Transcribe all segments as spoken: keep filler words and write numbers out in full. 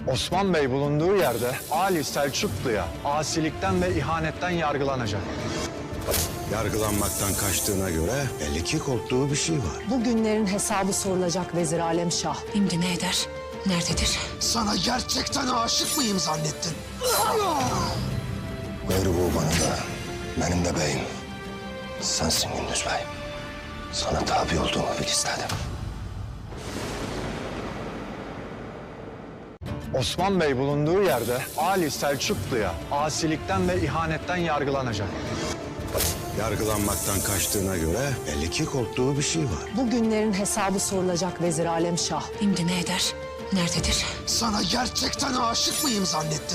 Osman Bey bulunduğu yerde Ali Selçuklu'ya asilikten ve ihanetten yargılanacak. Yargılanmaktan kaçtığına göre belli ki korktuğu bir şey var. Bu günlerin hesabı sorulacak Vezir Alem Şah. Şimdi ne eder? Nerededir? Sana gerçekten aşık mıyım zannettin? Gayrı bu bana da, benim de beyim. Sensin Gündüz Bey. Sana tabi olduğumu bil istedim. Osman Bey bulunduğu yerde Ali Selçuklu'ya asilikten ve ihanetten yargılanacak. Yargılanmaktan kaçtığına göre belli ki korktuğu bir şey var. Bu günlerin hesabı sorulacak Vezir Alem Şah. Şimdi ne eder? Nerededir? Sana gerçekten aşık mıyım zannettin?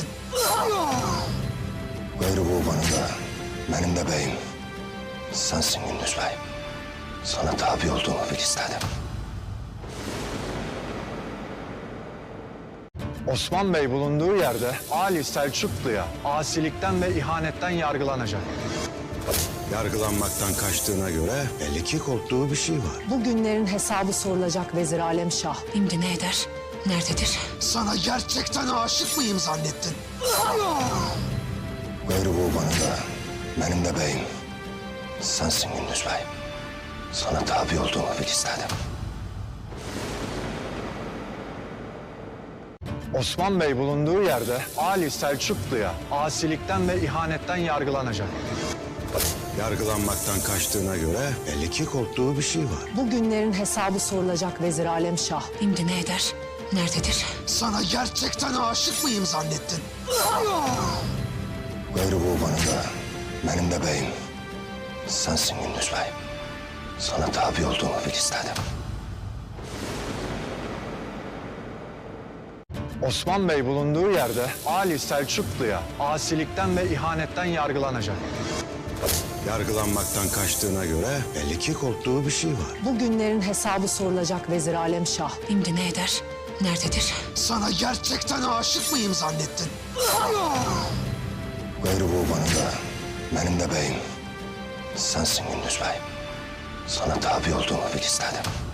Gayrı bu bana da, benim de beyim. Sensin Gündüz Bey. Sana tabi olduğumu bil istedim. Osman Bey bulunduğu yerde Ali Selçuklu'ya asilikten ve ihanetten yargılanacak. Yargılanmaktan kaçtığına göre belli ki korktuğu bir şey var. Bu günlerin hesabı sorulacak Vezir Alem Şah. Şimdi ne eder? Nerededir? Sana gerçekten aşık mıyım zannettin? Gayrı bu bana da, benim de beyim. Sensin Gündüz Bey. Sana tabi olduğumu bil istedim. Osman Bey bulunduğu yerde Ali Selçuklu'ya asilikten ve ihanetten yargılanacak. Yargılanmaktan kaçtığına göre belli ki korktuğu bir şey var. Bu günlerin hesabı sorulacak Vezir Alem Şah. Şimdi ne eder? Nerededir? Sana gerçekten aşık mıyım zannettin? Gayrı bu bana da, benim de beyim. Sensin Gündüz Bey. Sana tabi olduğumu bil istedim. Osman Bey bulunduğu yerde Ali Selçuklu'ya asilikten ve ihanetten yargılanacak. Yargılanmaktan kaçtığına göre belli ki korktuğu bir şey var. Bu günlerin hesabı sorulacak Vezir Alem Şah. Şimdi ne eder? Nerededir? Sana gerçekten aşık mıyım zannettin? Gayrı bu bana da, benim de beyim. Sensin Gündüz Bey. Sana tabi olduğumu bil istedim.